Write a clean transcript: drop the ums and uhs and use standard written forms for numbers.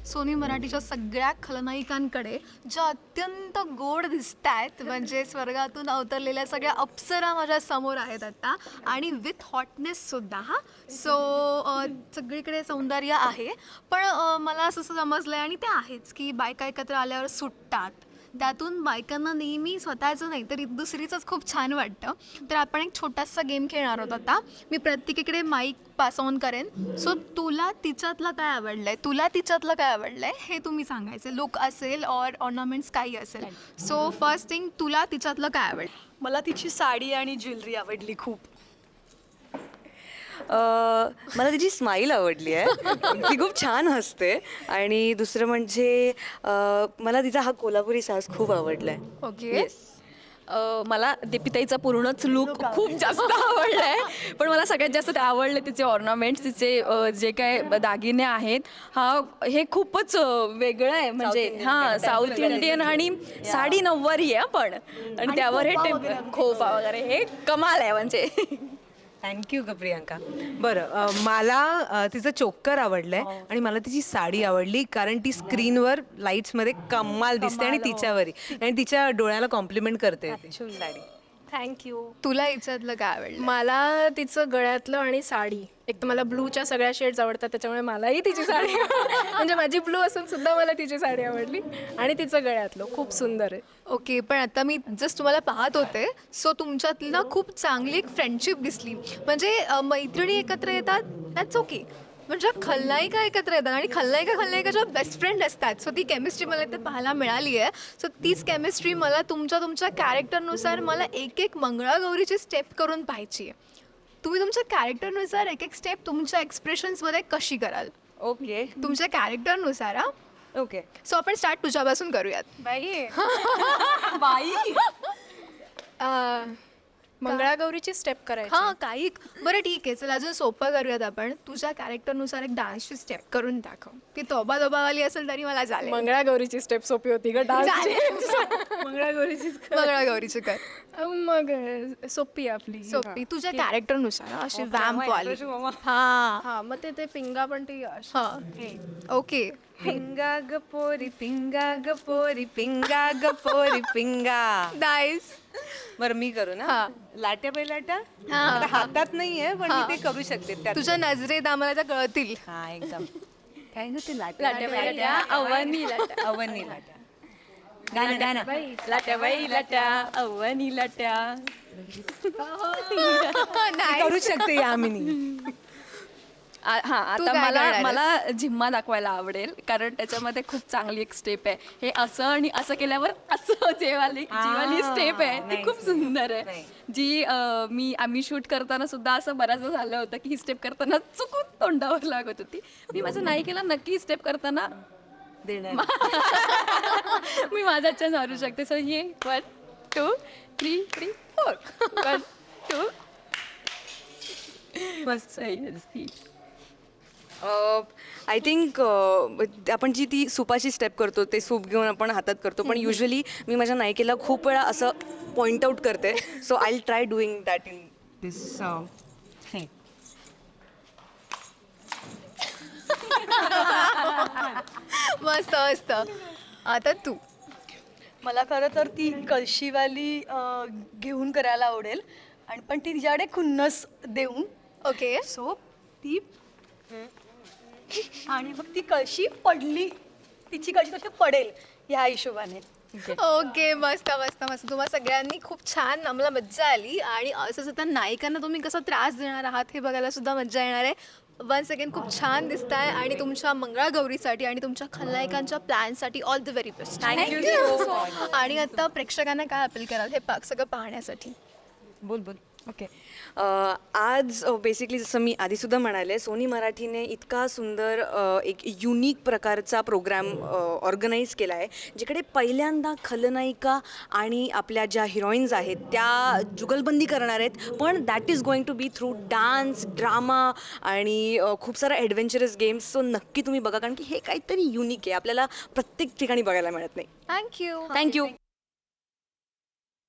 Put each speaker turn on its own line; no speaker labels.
Sony मराठीच्या सगळ्या खलनायिकांकडे ज्या अत्यंत गोड दिसत आहेत, म्हणजे स्वर्गातून अवतरलेल्या सगळ्या अप्सरा माझ्या समोर आहेत आता, आणि विथ हॉटनेससुद्धा. हां, सो सगळीकडे सौंदर्य आहे. पण मला असं समजलं आहे, आणि ते आहेच, की बायका एकत्र आल्यावर सुटतात. त्यातून बायकांना नेहमी स्वतःचं नाही तर दुसरीचंच खूप छान वाटतं. तर आपण एक छोटासा गेम खेळणार आहोत आता. मी प्रत्येकीकडे माईक पास ऑन करेन. सो तुला तिच्यातलं काय आवडलं आहे, तुला तिच्यातलं काय आवडलं आहे, हे तुम्ही सांगायचं. लुक असेल और ऑर्नामेंट्स काही असेल. सो फर्स्ट थिंग, तुला तिच्यातलं काय आवडलं?
मला तिची साडी आणि ज्वेलरी आवडली खूप.
मला तिची स्माईल आवडली आहे. ती खूप छान हसते. आणि दुसरं म्हणजे मला तिचा हा कोल्हापुरी साज खूप आवडला आहे.
ओके.
मला दीपिताईचा पूर्णच लुक खूप जास्त आवडला आहे. पण मला सगळ्यात जास्त ते आवडले तिचे ऑर्नामेंट्स, तिचे जे काय दागिने आहेत. हे खूपच वेगळं आहे. म्हणजे साऊथ इंडियन आणि साडी नऊवारी आहे पण, आणि त्यावर हे खोपा वगैरे हे कमाल आहे म्हणजे.
थँक्यू ग प्रियांका. बरं, मला तिचं चोकर आवडलंय आणि मला तिची साडी आवडली, कारण ती स्क्रीनवर लाईट्समध्ये कमाल दिसते आणि तिच्यावरही, आणि तिच्या डोळ्याला कॉम्प्लिमेंट करते ती साडी.
थँक्यू.
तुला हिच्यातलं काय आवडलं?
मला तिचं गळ्यातलं आणि साडी, एक तर मला ब्लूच्या सगळ्या शेड्स आवडतात, त्याच्यामुळे मलाही तिची साडी म्हणजे माझी ब्लू असून सुद्धा मला तिची साडी आवडली, आणि तिचं गळ्यातलं खूप सुंदर आहे.
ओके, पण आता मी जस्ट तुम्हाला पाहत होते, सो तुमच्यातली ना खूप चांगली एक फ्रेंडशिप दिसली. म्हणजे मैत्रिणी एकत्र येतात, दॅट्स ओके. म्हणजे खलनायिका एकत्र येतात आणि खलनायिकाच्या बेस्ट फ्रेंड असतात. सो ती केमिस्ट्री मला इथे पाहायला मिळाली आहे. सो तीच केमिस्ट्री मला तुमच्या कॅरेक्टरनुसार मला एक मंगळागौरीची स्टेप करून पाहायची आहे. तुम्ही तुमच्या कॅरेक्टरनुसार एक स्टेप तुमच्या एक्सप्रेशन्समध्ये कशी कराल?
ओके
तुमच्या कॅरेक्टरनुसार. हां,
ओके.
सो आपण स्टार्ट तुझ्यापासून करूयात.
बाई
बाई
मंगळागौरीची स्टेप करायची.
हां, काही बरं ठीक आहे, चल अजून सोपं करूयात आपण. तुझ्या कॅरेक्टरनुसार एक डान्सची स्टेप करून दाखव. ती तोबावाली असेल तरी मला चालेल.
मंगळागौरीची स्टेप सोपी होती ग डान्स.
मंगळागौरीची कर.
मग सोपी आहे आपली
सोपी तुझ्या कॅरेक्टरनुसार अशी वॅम्प वाली. हां
हा, मग ते फिंगा पण ती अशी.
हां, ओके.
पिंगा ग पोरी पिंगा ग पोरी पिंगा ग पोरी पिंगा.
नाईस.
बरं, मी करू ना.
हां.
लाट्या बैलाट्या.
हां.
आता हातात नाहीये, पण मी ते करू शकते त्यात.
तुझ्या नजरेत आम्हाला त्या कळतील.
हा, एकदम. काय ग ते
लाट्या अवनी लाट्या,
अवनी लाट्या. गाणं
लाट्या बाई लाट्या अवनी लाट्या.
Nice.
करू शकते यामिनी.
तू
आता
काय
मला
करणार
मला झिम्मा दाखवायला आवडेल, कारण त्याच्यामध्ये खूप चांगली एक स्टेप आहे. हे असं आणि असं केल्यावर असं जी वाली स्टेप आहे ती खूप सुंदर आहे. जी आम्ही शूट करताना सुद्धा असं बऱ्याचदा झालं होतं की ही स्टेप करताना चुकून तोंडावर लागत होती. मी माझ्या नायिकेला नक्की स्टेप करताना मी माझ्याच्या मारू शकते. सो ये 1 2 3 3 4 1 2.
मस्त.
आय थिंक आपण जी ती सुपाची स्टेप करतो, ते सूप घेऊन आपण हातात करतो, पण युजली मी माझ्या नायिकेला खूप वेळा असं पॉइंट आउट करते. So I will try doing that in this.
मस्त मस्त. आता तू.
मला खरं तर ती कळशीवाली घेऊन करायला आवडेल, आणि पण ती तिच्याकडे खुन्नस देऊन.
ओके.
सो ती आणि मग ती कळशी पडली, तिची कळशी कशी पडेल ह्या हिशोबाने.
ओके, मस्त मस्त मस्त. तुम्हाला सगळ्यांनी खूप छान, आम्हाला मज्जा आली. आणि असंच आता नायिकांना तुम्ही कसा त्रास देणार आहात हे बघायला सुद्धा मज्जा येणार आहे. वन सेकंड, खूप छान दिसताय, आणि तुमच्या मंगळागौरीसाठी आणि तुमच्या खलनायिकांच्या प्लॅनसाठी all the very best.
Thank you.
आणि आता प्रेक्षकांना काय अपील कराल हे सगळं पाहण्यासाठी?
बोल बोल.
ओके. आज बेसिकली जसं मी आधीसुद्धा म्हणाले, सोनी मराठीने इतका सुंदर एक युनिक प्रकारचा प्रोग्राम ऑर्गनाईज केला आहे, जिकडे पहिल्यांदा खलनायिका आणि आपल्या ज्या हिरोईन्स आहेत त्या जुगलबंदी करणार आहेत, पण that is going to be through dance, drama आणि खूप सारा ॲडव्हेंचरस गेम्स. सो नक्की तुम्ही बघा, कारण की हे काहीतरी युनिक आहे, आपल्याला प्रत्येक ठिकाणी बघायला मिळत नाही.
थँक्यू.
थँक्यू.